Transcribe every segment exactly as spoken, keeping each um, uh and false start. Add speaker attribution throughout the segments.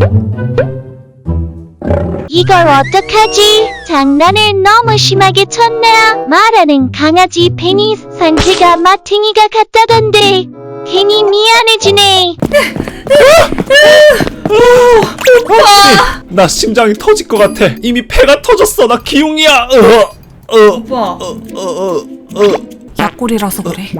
Speaker 1: 이걸 어떡하지? 장난을 너무 심하게 쳤나? 말하는 강아지 페니 상태가 마탱이가 같다던데 괜히 미안해지네.
Speaker 2: 오빠! 나 심장이 터질 것 같아. 이미 폐가 터졌어. 나 기웅이야. 어, 어,
Speaker 3: 오빠.
Speaker 2: 어, 어, 어, 어.
Speaker 3: 약골이라서 그래.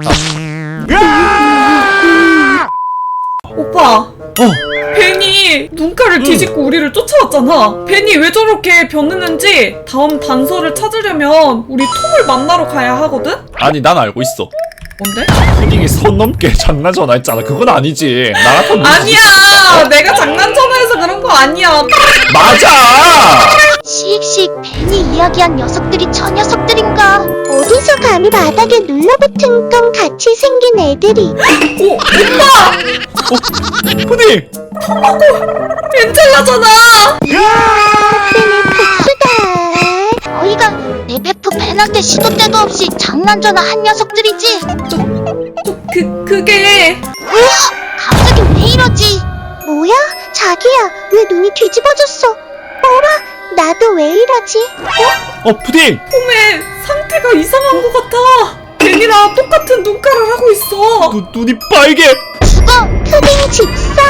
Speaker 2: 아!
Speaker 3: 오빠.
Speaker 2: 어.
Speaker 3: 벤이 눈가를 뒤집고 우리를 쫓아왔잖아. 벤이 왜 저렇게 변했는지 다음 단서를 찾으려면 우리 톰을 만나러 가야 하거든?
Speaker 2: 아니 난 알고 있어.
Speaker 3: 뭔데?
Speaker 2: 푸딩이 선 넘게 장난 전화했잖아. 그건 아니지. 나 같은
Speaker 3: 아니야! 내가 장난 전화해서 그런 거 아니야.
Speaker 2: 맞아.
Speaker 1: 씩씩 벤이 이야기한 녀석들이 저 녀석들인가? 어디서 감히 바닥에 눌러붙은 건 같이 생긴 애들이.
Speaker 3: 오! 오빠!
Speaker 2: 푸딩.
Speaker 3: 엔젤라잖아!
Speaker 1: 벤의 복수다. 어이가 내 베프 벤한테 시도 때도 없이 장난 전화 한 녀석들이지.
Speaker 3: 저, 저, 그, 그게.
Speaker 1: 으아! 갑자기 왜 이러지? 뭐야? 자기야, 왜 눈이 뒤집어졌어? 어라? 나도 왜 이러지? 어?
Speaker 2: 어 푸딩.
Speaker 3: 톰의 상태가 이상한 것 같아. 벤이랑 똑같은 눈가를 하고 있어.
Speaker 2: 눈 눈이 빨개.
Speaker 1: 죽어! 푸딩 집사!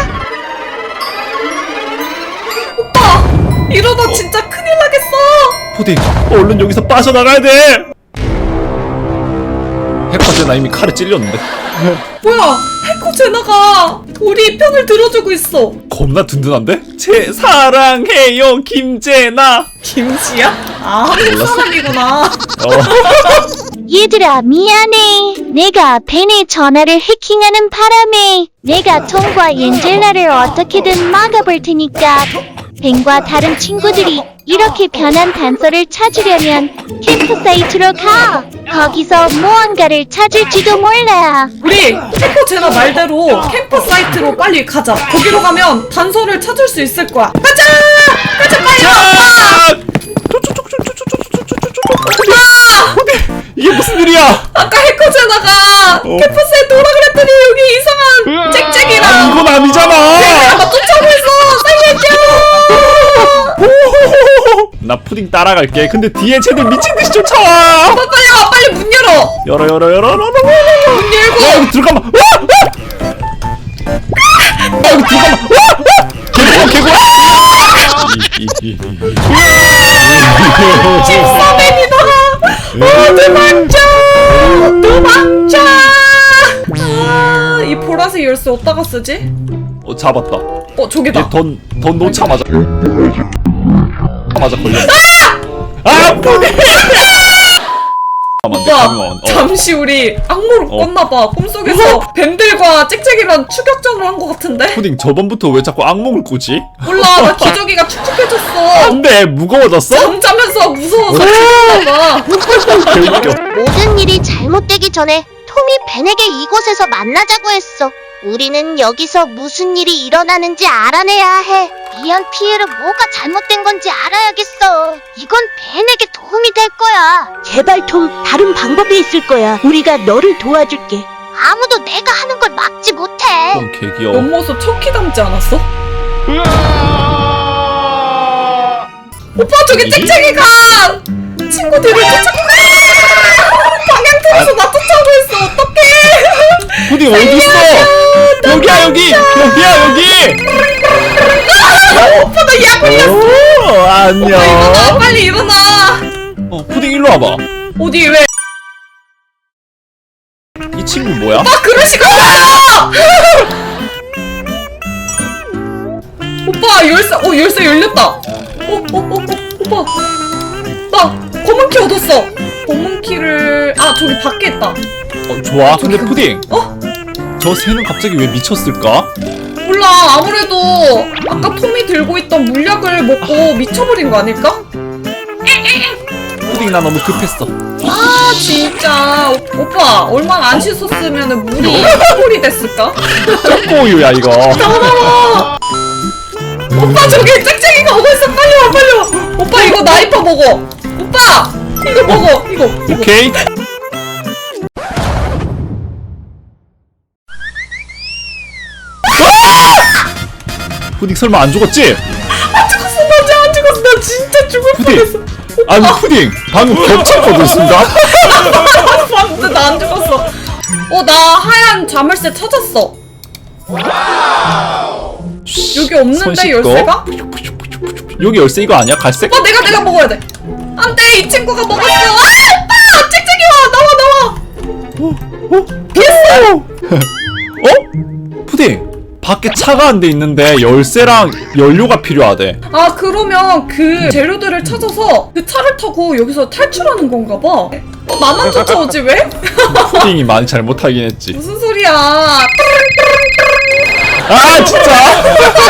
Speaker 3: 오빠! 이러다 진짜 큰일 나겠어.
Speaker 2: 푸딩. 얼른 여기서 빠져나가야 돼. 해커제 나 이미 칼에 찔렸는데.
Speaker 3: 뭐야? 해커 제나가 우리 편을 들어주고 있어.
Speaker 2: 겁나 든든한데? 제 사랑해요 김제나.
Speaker 3: 김씨야? 아, 한국
Speaker 2: 몰랐어?
Speaker 3: 사람이구나.
Speaker 2: 어.
Speaker 1: 얘들아 미안해. 내가 벤의 전화를 해킹하는 바람에 내가 톰과 엔젤라를 어떻게든 막아볼 테니까 벤과 다른 친구들이 이렇게 변한 단서를 찾으려면 캠프사이트로 가. 거기서 무언가를 찾을지도 몰라.
Speaker 3: 우리 해커 제나 말대로 캠프 사이트로 빨리 가자. 거기로 가면 단서를 찾을 수 있을 거야. 가자! 가자 빨리!
Speaker 2: 자!
Speaker 3: 오빠!
Speaker 2: 이게 무슨 일이야?
Speaker 3: 아까 해커 제나가
Speaker 2: 어?
Speaker 3: 캠프 사이트 오라 그랬더니 여기 이상한 짹짹이랑
Speaker 2: 아, 이건 아니잖아.
Speaker 3: 나 쫓아오고 있어! 살려줘!
Speaker 2: 나 푸딩 따라갈게. 근데 뒤에 쟤들 미친듯이 쫓아와.
Speaker 3: 오빠 빨리 와! 빨리 문 열어!
Speaker 2: 열어 열어 열어 열어.
Speaker 3: 문 열고!
Speaker 2: 야 여기 들어가마. 와! 야 여기 들어가마. 와! 개고 개고.
Speaker 3: 집사맨이다! 어, 도망쳐! 도망쳐! 아, 이 보라색 열쇠 어디다가 쓰지?
Speaker 2: 어 잡았다.
Speaker 3: 어, 저기다.
Speaker 2: 얘돈돈 놓자마자 맞아 걸렸어. 아 푸딩.
Speaker 3: 오빠, 잠시 우리 악몽을
Speaker 2: 어.
Speaker 3: 꿨나봐. 꿈속에서 뱀들과 짹짹이랑 추격전을 한 것 같은데?
Speaker 2: 푸딩 저번부터 왜 자꾸 악몽을 꾸지?
Speaker 3: 몰라, 나 기저귀가 축축해졌어.
Speaker 2: 안돼 무거워졌어?
Speaker 3: 잠자면서 무서워서 죽었나봐.
Speaker 2: 개웃겨.
Speaker 1: 모든 일이 잘못되기 전에 톰이 벤에게 이곳에서 만나자고 했어. 우리는 여기서 무슨 일이 일어나는지 알아내야 해. 이안 피에르 뭐가 잘못된 건지 알아야겠어. 이건 벤에게 도움이 될 거야.
Speaker 4: 제발 톰, 다른 방법이 있을 거야. 우리가 너를 도와줄게.
Speaker 1: 아무도 내가 하는 걸 막지 못해.
Speaker 2: 좀 개귀여워.
Speaker 3: 옆모습 척키 닮지 않았어? 오빠, 저기 짹짹이가 친구들을 쫓아고 방향 틀어서 나 쫓아오고 있어. 어떡해.
Speaker 2: 푸딩 어딨어? 여기야 여기 여기야 여기.
Speaker 3: 오빠, 나 약 걸렸어.
Speaker 2: 오 안녕.
Speaker 3: 일어나, 빨리 일어나.
Speaker 2: 어 푸딩 일로 와봐.
Speaker 3: 어디, 왜?
Speaker 2: 이 친구 뭐야?
Speaker 3: 아, 그러시구나! 오빠, 열쇠, 어, 열쇠 열렸다. 어, 어, 어, 어, 오빠. 나 검은 키 얻었어. 검은 키를, 아, 저기 밖에 있다.
Speaker 2: 어 좋아. 근데 푸딩
Speaker 3: 어?
Speaker 2: 저 새는 갑자기 왜 미쳤을까?
Speaker 3: 몰라, 아무래도 아까 톰이 들고 있던 물약을 먹고 미쳐버린 거 아닐까?
Speaker 2: 푸딩 나 너무 급했어.
Speaker 3: 아, 진짜. 오, 오빠, 얼마나 안 씻었으면 물이 꿀이 됐을까?
Speaker 2: 쪼꼬우유야 이거.
Speaker 3: 나와나와! 오빠, 저기 짹짹이가 오고 있어. 빨리 와, 빨리 와. 오빠, 이거 나이파 먹어. 오빠, 이거 먹어. 이거. 이거.
Speaker 2: 오케이. 푸딩 설마 안 죽었지?
Speaker 3: 안 죽었어 나 진짜 안 죽었어 나 진짜 죽을
Speaker 2: 푸딩!
Speaker 3: 뻔했어.
Speaker 2: 아니 푸딩 방금 겹쳤거든 순간?
Speaker 3: 방금 나 안 죽었어. 어 나 하얀 자물쇠 찾았어. 여기
Speaker 2: 손
Speaker 3: 없는데
Speaker 2: 씻고.
Speaker 3: 열쇠가?
Speaker 2: 여기 열쇠 이거 아니야? 갈색?
Speaker 3: 어 내가 내가 먹어야 돼. 안돼 이 친구가 먹었어. 아 오빠 짹짹이 와 나와 나와.
Speaker 2: 어? 피했어! 어? 푸딩 밖에 차가 한 대 있는데 열쇠랑 연료가 필요하대.
Speaker 3: 아 그러면 그 재료들을 찾아서 그 차를 타고 여기서 탈출하는 건가 봐. 어, 나만 쫓아오지 왜?
Speaker 2: 푸딩이 많이 잘못하긴 했지.
Speaker 3: 무슨 소리야?
Speaker 2: 아 진짜!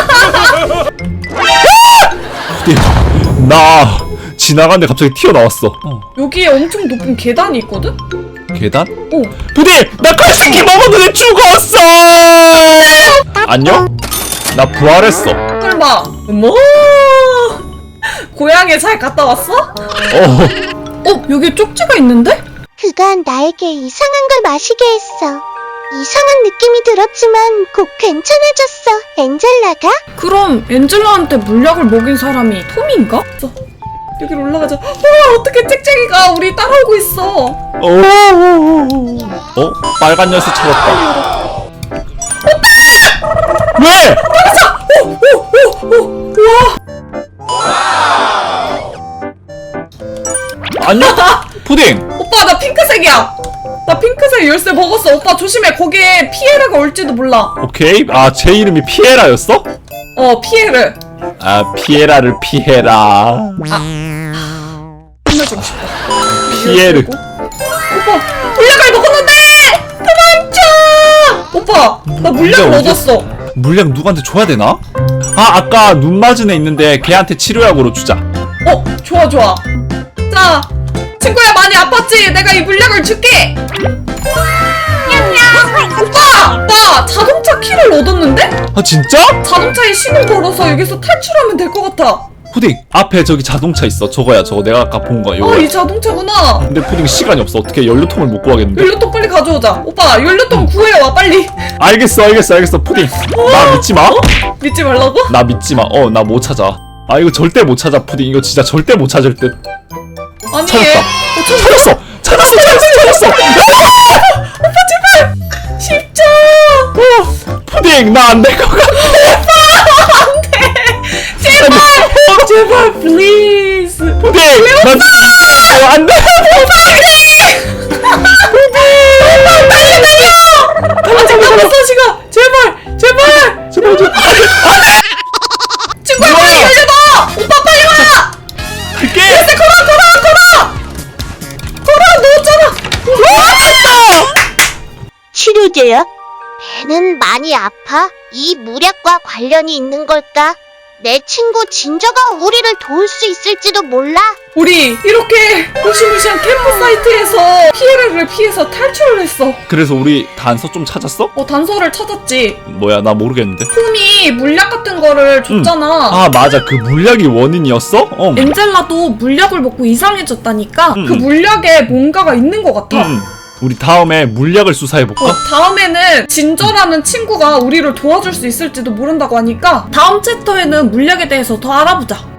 Speaker 2: 푸딩 나 지나가는데 갑자기 튀어나왔어. 어.
Speaker 3: 여기에 엄청 높은 계단이 있거든?
Speaker 2: 계단?
Speaker 3: 어.
Speaker 2: 푸딩! 나 갈색이 먹었는데 죽었어! 안녕? 나 부활했어.
Speaker 3: 설마 뭐? 고향에 잘 갔다 왔어?
Speaker 2: 어.
Speaker 3: 어 여기 쪽지가 있는데?
Speaker 1: 그가 나에게 이상한 걸 마시게 했어. 이상한 느낌이 들었지만 곧 괜찮아졌어. 엔젤라가?
Speaker 3: 그럼 엔젤라한테 물약을 먹인 사람이 톰인가? 저, 여기로 올라가자. 와 어떻게 짹짹이가 우리 따라오고 있어.
Speaker 2: 어. 어? 빨간 열쇠 찾았다. 왜?
Speaker 3: 오오오오 와.
Speaker 2: 안녕? 푸딩!
Speaker 3: 오빠 나 핑크색이야. 나 핑크색 열쇠 먹었어. 오빠 조심해. 거기에 피에라가 올지도 몰라.
Speaker 2: 오케이. 아, 제 이름이 피에라였어?
Speaker 3: 어 피에르.
Speaker 2: 아, 피에라를 피해라.
Speaker 3: 끝내주고 싶다.
Speaker 2: 피에르.
Speaker 3: 오빠 물약을 먹었는데 도망쳐. 오빠 나 물약을
Speaker 2: 진짜
Speaker 3: 얻었어.
Speaker 2: 물약 누구한테 줘야 되나? 아, 아까 눈 맞은 애 있는데 걔한테 치료약으로 주자.
Speaker 3: 어 좋아 좋아. 자 친구야 많이 아팠지? 내가 이 물약을 줄게. 오빠 오빠 자동차 키를 얻었는데?
Speaker 2: 아, 진짜?
Speaker 3: 자동차에 신호 걸어서 여기서 탈출하면 될 것 같아.
Speaker 2: 푸딩, 앞에 저기 자동차 있어. 저거야, 저거 내가 아까 본 거.
Speaker 3: 아
Speaker 2: 요거.
Speaker 3: 이 자동차구나.
Speaker 2: 근데 푸딩 시간이 없어. 어떻게 연료통을 못 구하겠는데?
Speaker 3: 연료통 빨리 가져오자. 오빠 연료통 구해와 빨리.
Speaker 2: 알겠어, 알겠어, 알겠어. 푸딩. 나 믿지 마.
Speaker 3: 믿지 말라고?
Speaker 2: 나 믿지 마. 어, 나 못 찾아. 아, 이거 절대 못 찾아, 푸딩. 이거 진짜 절대 못 찾을 듯.
Speaker 3: 아니
Speaker 2: 찾았다.
Speaker 3: 얘 어, 찾-
Speaker 2: 찾았어! 찾았어! 찾았어! 찾았어!
Speaker 3: 오빠 제발 십자.
Speaker 2: 어, 푸딩, 나 안 될 것 같아.
Speaker 3: 제발 제발 please.
Speaker 2: 푸딩, 나 진짜 안 돼.
Speaker 3: 빨리 달려. 아 잠깐만 서시가 제발 제발.
Speaker 2: 제발 좀.
Speaker 3: 친구야 빨리
Speaker 2: 뭐야?
Speaker 3: 열려봐. 오빠 빨리 와.
Speaker 2: 갈게.
Speaker 3: 열쇠 걸어 걸어 걸어. 걸어 넣었잖아.
Speaker 4: 치료제야?
Speaker 1: 배는 많이 아파? 이 물약과 관련이 있는 걸까? 내 친구 진저가 우리를 도울 수 있을지도 몰라.
Speaker 3: 우리 이렇게 무시무시한 캠프사이트에서 피해를 피해서 탈출을 했어.
Speaker 2: 그래서 우리 단서 좀 찾았어?
Speaker 3: 어 단서를 찾았지.
Speaker 2: 뭐야, 나 모르겠는데.
Speaker 3: 톰이 물약 같은 거를 줬잖아.
Speaker 2: 아, 맞아. 그 물약이 원인이었어? 어.
Speaker 3: 엔젤라도 물약을 먹고 이상해졌다니까.
Speaker 2: 음,
Speaker 3: 그
Speaker 2: 음.
Speaker 3: 물약에 뭔가가 있는 것 같아.
Speaker 2: 음. 우리 다음에 물약을 수사해볼까?
Speaker 3: 어, 다음에는 진저라는 친구가 우리를 도와줄 수 있을지도 모른다고 하니까 다음 챕터에는 물약에 대해서 더 알아보자.